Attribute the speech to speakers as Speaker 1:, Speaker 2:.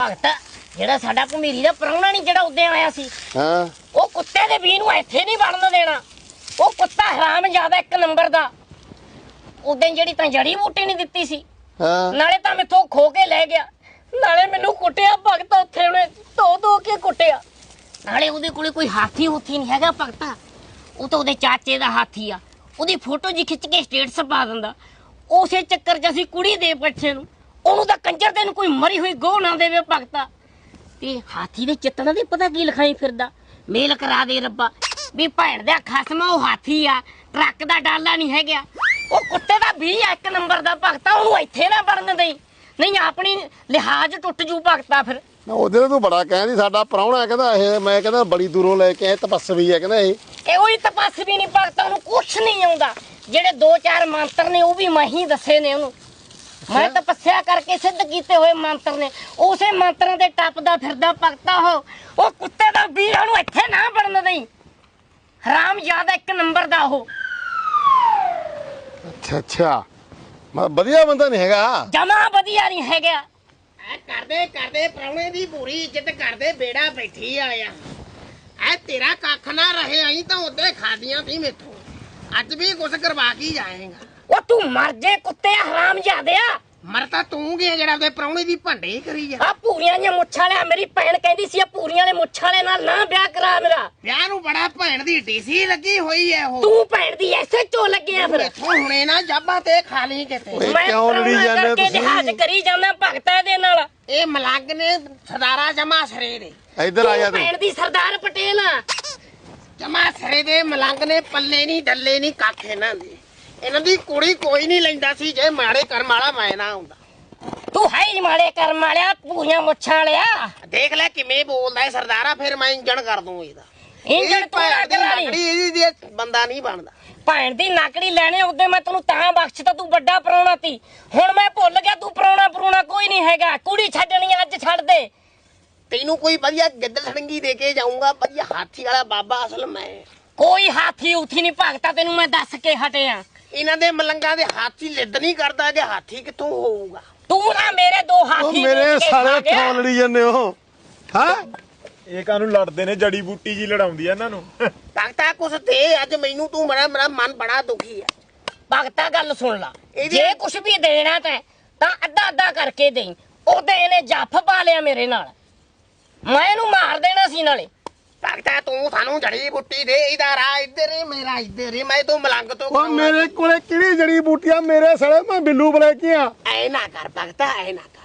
Speaker 1: ਭਗਤ ਜਿਹੜਾ ਸਾਡਾ ਭਮੀਰੀ ਦਾ ਪ੍ਰਾਹੁਣਾ ਨਹੀਂ ਜਿਹੜਾ ਉੱਦੇ ਆਇਆ ਸੀ
Speaker 2: ਹਾਂ
Speaker 1: ਉਹ ਕੁੱਤੇ ਦੇ ਵੀ ਨੂੰ ਇੱਥੇ ਨਹੀਂ ਵੜਨ ਦੇਣਾ। ਉਹ ਕੁੱਤਾ ਹਰਾਮ ਜ਼ਿਆਦਾ ਇੱਕ ਨੰਬਰ ਦਾ। ਉਦੋਂ ਜਿਹੜੀ ਤਾਂ ਜੜੀ ਬੂਟੀ ਨਹੀਂ ਦਿੱਤੀ ਸੀ
Speaker 2: ਹਾਂ
Speaker 1: ਨਾਲੇ ਤਾਂ ਮੈਥੋਂ ਖੋ ਕੇ ਲੈ ਗਿਆ ਨਾਲੇ ਮੈਨੂੰ ਕੁੱਟਿਆ ਭਗਤ। ਉੱਥੇ ਉਹਨੇ ਧੋ ਕੇ ਕੁੱਟਿਆ। ਨਾਲੇ ਉਹਦੇ ਕੋਲੇ ਕੋਈ ਹਾਥੀ ਹੁਥੀ ਨਹੀਂ ਹੈਗਾ ਭਗਤਾ। ਉਹ ਤਾਂ ਉਹਦੇ ਚਾਚੇ ਦਾ ਹਾਥੀ ਆ। ਉਹਦੀ ਫੋਟੋ ਜੀ ਖਿੱਚ ਕੇ ਸਟੇਟਸ ਪਾ ਦਿੰਦਾ। ਉਸੇ ਚੱਕਰ 'ਚ ਅਸੀਂ ਕੁੜੀ ਦੇ ਪਿੱਛੇ ਨੂੰ ਉਹਨੂੰ ਤਾਂ ਕੰਜਰ ਤੈਨੂੰ ਕੋਈ ਮਰੀ ਹੋਈ ਗੋਹ ਨਾ ਦੇਵੇ ਭਗਤਾ। ਤੇ ਹਾਥੀ ਦੇ ਚਿੱਤਰਾਂ ਦੇ ਪਤਾ ਕੀ ਲਿਖਾਈ ਫਿਰਦਾ। ਮੇਲ ਕਰਾ ਦੇ ਰੱਬਾ ਵੀ ਭੈਣ ਦਾ ਖਸਮ ਉਹ ਹਾਥੀ ਆ, ਟਰੱਕ ਦਾ ਡਾਲਾ ਨਹੀਂ ਹੈਗਾ। ਉਹ ਕੁੱਤੇ ਦਾ ਵੀ ਇੱਕ ਨੰਬਰ ਦਾ ਭਗਤਾ। ਉਹਨੂੰ ਇੱਥੇ ਨਾ ਵੜਨ ਦੇਈ ਨਹੀਂ ਆਪਣੀ ਲਿਹਾਜ਼ ਟੁੱਟ ਜੂ ਭਗਤਾ। ਫਿਰ
Speaker 2: ਉਹਦੇ ਤੂੰ ਬੜਾ ਕਹਿੰਦੀ ਸਾਡਾ ਪ੍ਰਾਹੁਣਾ ਕਹਿੰਦਾ ਇਹ ਮੈਂ ਕਹਿੰਦਾ ਬੜੀ ਦੂਰੋਂ ਲੈ ਕੇ ਆਏ ਤਪੱਸਵੀ ਹੈ ਕਹਿੰਦਾ ਇਹ
Speaker 1: ਉਹੀ ਤਪੱਸਵੀ ਨਹੀਂ ਭਗਤਾ। ਉਹਨੂੰ ਕੁਛ ਨਹੀਂ ਆਉਂਦਾ। ਜਿਹੜੇ 2-4 ਮੰਤਰ ਨੇ ਉਹ ਵੀ ਮੈਂ ਹੀ ਦੱਸੇ ਨੇ ਉਹਨੂੰ। ਮੈਂ ਤਪੱਸਿਆ ਕਰਕੇ ਸਿੱਧ ਕੀਤੇ ਹੋਏ ਮੰਤਰ ਨੇ। ਉਸੇ ਮੰਤਰਾਂ ਦੇ ਟੱਪਦਾ ਫਿਰਦਾ ਭਗਤਾ। ਉਹ ਕੁੱਤੇ ਦਾ ਵੀਰ ਉਹਨੂੰ ਇੱਥੇ ਨਾ ਵੜਨ ਦੇਈ। ਹਰਾਮ ਜ਼ਿਆਦਾ ਇੱਕ ਨੰਬਰ ਦਾ ਉਹ।
Speaker 2: ਅੱਛਾ ਵਧੀਆ ਬੰਦਾ ਨਹੀਂ ਹੈਗਾ।
Speaker 1: ਜਮਾ ਵਧੀਆ ਨਹੀਂ ਹੈਗਾ।
Speaker 3: ਕਰਦੇ ਪ੍ਰਾਹੁਣੇ ਦੀ ਪੂਰੀ ਇੱਜ਼ਤ ਕਰਦੇ। ਬੇੜਾ ਬੈਠੀ ਆਇਆ ਐ ਤੇਰਾ ਕੱਖ ਨਾ ਰਹੇ। ਆਈ ਤਾਂ ਉਹਦੇ ਖਾਦੀਆਂ ਸੀ ਮੇਥੋਂ। ਅੱਜ ਵੀ ਕੁਛ ਕਰਵਾ ਕੇ ਜਾਏਗਾ।
Speaker 1: ਉਹ ਤੂੰ ਮਰ ਜੇ ਕੁੱਤੇ ਹਰਾਮ ਜ਼ਿਆਦਿਆ।
Speaker 3: ਮਰ ਤਾਂ ਤੂੰ ਗਿਆ ਜਿਹੜਾ ਉਹਦੇ ਪ੍ਰਾਹੁਣੇ ਦੀ ਭੰਡੇ ਕਰੀ ਜਾ।
Speaker 1: ਆ ਪੂਰੀਆਂ ਦੀਆਂ ਮੁੱਛਾਂ ਵਾਲਿਆ ਮੇਰੀ ਭੈਣ ਕਹਿੰਦੀ ਸੀ ਆ ਪੂਰੀਆਂ ਵਾਲੇ ਮੁੱਛਾਂ ਵਾਲੇ ਨਾਲ ਨਾ ਵਿਆਹ ਕਰਾ ਮੇਰਾ।
Speaker 3: ਵਿਆਹ ਨੂੰ ਬੜਾ ਭੈਣ ਦੀ ਡੀਸੀ ਲੱਗੀ ਹੋਈ ਐ ਉਹ।
Speaker 1: ਤੂੰ ਭੈਣ ਦੀ ਐਸੇ ਚੋ ਲੱਗਿਆ ਫਿਰ।
Speaker 3: ਇੱਥੋਂ ਹੁਣੇ ਨਾ ਜਾਬਾ ਤੇ ਖਾ ਲਈ ਕਿਤੇ।
Speaker 1: ਮੈਂ
Speaker 2: ਕਿਉਂ ਲੜੀ ਜਾਂਦੇ
Speaker 1: ਕਰਕੇ
Speaker 2: ਤੁਸੀਂ?
Speaker 1: ਲਿਹਾਜ਼ ਕਰੀ ਜਾਂਦਾ ਭਗਤਾ ਦੇ ਨਾਲ।
Speaker 3: ਇਹ ਮਲੰਗ ਨੇ ਸਰਦਾਰਾ ਜਮਾ ਸਰੇ ਦੇ।
Speaker 2: ਇੱਧਰ ਆ ਜਾ
Speaker 1: ਤੂੰ
Speaker 2: ਤੂੰ।
Speaker 1: ਭੈਣ ਦੀ ਸਰਦਾਰ ਪਟੇਲ ਆ।
Speaker 3: ਜਮਾ ਸਰੇ ਦੇ ਮਲੰਗ ਨੇ। ਪੱਲੇ ਨਹੀਂ ਡੱਲੇ ਨਹੀਂ ਕੱਖ ਇਹਨਾਂ ਦੇ। ਇਹਨਾਂ ਦੀ ਕੁੜੀ ਕੋਈ ਨਹੀਂ ਲੈਂਦਾ ਸੀ ਜੇ ਮਾੜੇ ਕਰਮ ਵਾਲਾ ਮੈਂ ਨਾ ਹੁੰਦਾ।
Speaker 1: ਤੂੰ ਹੈ ਹੀ ਮਾੜੇ ਕਰਮ ਵਾਲਿਆ ਪੂਰੀਆਂ ਮੁੱਛਾਂ ਵਾਲਿਆ।
Speaker 3: ਦੇਖ ਲੈ ਕਿਵੇਂ ਬੋਲਦਾ ਸਰਦਾਰਾ। ਫਿਰ ਮੈਂ ਇੰਜਣ ਕਰ ਦੂੰ ਇਹਦਾ।
Speaker 1: ਇੰਜਣ
Speaker 3: ਭੈਣ ਦੀ
Speaker 1: ਕਰਾ ਲਈ।
Speaker 3: ਨਕੜੀ ਇਹਦੀ ਬੰਦਾ ਨਹੀਂ ਬਣਦਾ।
Speaker 1: ਭੈਣ ਦੀ ਨਕੜੀ ਲੈਣੇ ਉਹਦੇ ਮੈਂ ਤੈਨੂੰ ਤਾਂ ਬਖਸ਼ਤਾ। ਤੂੰ ਵੱਡਾ ਪ੍ਰਾਹੁਣਾ ਤੀ। ਹੁਣ ਮੈਂ ਭੁੱਲ ਗਿਆ ਤੂੰ ਪ੍ਰਾਹੁਣਾ ਕੋਈ ਨਹੀਂ ਹੈਗਾ। ਕੁੜੀ ਛੱਡਣੀ ਅੱਜ ਛੱਡ ਦੇ।
Speaker 3: ਤੈਨੂੰ ਕੋਈ ਵਧੀਆ ਗਿੱਦੜ ਸੜੰਗੀ ਦੇ ਕੇ ਜਾਊਂਗਾ। ਵਧੀਆ ਹਾਥੀ ਵਾਲਾ ਬਾਬਾ ਅਸਲ ਮੈਂ।
Speaker 1: ਕੋਈ ਹਾਥੀ ਉਥੀ ਨਹੀਂ ਭਗਤਾ ਤੈਨੂੰ ਮੈਂ ਦੱਸ ਕੇ ਹਟਿਆ।
Speaker 3: ਇਹਨਾਂ ਦੇ ਮਲੰਗਾਂ ਦੇ ਹਾਥੀ ਲਿੱਦ ਨਹੀਂ ਕਰਦਾ ਕਿ ਹਾਥੀ ਕਿੱਥੋਂ ਹੋਊਗਾ।
Speaker 1: ਤੂੰ ਨਾ ਮੇਰੇ ਦੋ ਹਾਥੀ
Speaker 2: ਮੇਰੇ
Speaker 1: ਵੇਚ ਕੇ ਖਾ
Speaker 2: ਸਾਲੇ
Speaker 1: ਗਿਆ।
Speaker 2: ਕਿਉਂ ਲੜੀ ਜਾਂਦੇ ਹੋ ਹਾਂ।
Speaker 4: ਇਹ ਕਾਹਨੂੰ ਲੜਦੇ ਨੇ? ਜੜੀ ਬੂਟੀ ਜੀ ਲੜਾਉਂਦੀ ਆ ਇਹਨਾਂ ਨੂੰ।
Speaker 3: ਭਗਤਾ ਕੁਛ ਦੇ ਅੱਜ ਮੈਨੂੰ। ਤੂੰ ਮੇਰਾ ਮਨ ਬੜਾ ਦੁਖੀ ਹੈ।
Speaker 1: ਭਗਤਾ ਗੱਲ ਸੁਣ ਲਾ।
Speaker 3: ਇਹਦੀ-
Speaker 1: ਜੇ ਕੁਛ ਵੀ ਦੇਣਾ ਤਾਂ ਅੱਧਾ ਕਰਕੇ ਦੇਈ। ਉਹਦੇ ਇਹਨੇ ਜੱਫ ਪਾ ਲਿਆ ਮੇਰੇ ਨਾਲ। ਮੈਂ ਇਹਨੂੰ ਮਾਰ ਦੇਣਾ ਸੀ ਨਾਲੇ।
Speaker 3: ਭਗਤਾ ਤੂੰ ਸਾਨੂੰ ਜੜੀ ਬੂਟੀ ਦੇ। ਇਹਦਾ ਰਾਹ ਇੱਧਰ ਹੀ ਮੇਰਾ ਇੱਧਰ ਹੀ। ਮੈਂ ਤੂੰ ਮਲੰਗ ਤੋਂ
Speaker 2: ਉਹ ਮੇਰੇ ਕੋਲੇ ਕਿਹੜੀ ਜੜੀ ਬੂਟੀਆਂ ਮੇਰੇ ਸਾਲੇ ਮੈਂ ਬਿੱਲੂ ਬਲੈਕੀਆਂ।
Speaker 3: ਐ ਨਾ ਕਰ ਭਗਤਾ ਐ ਨਾ ਕਰ।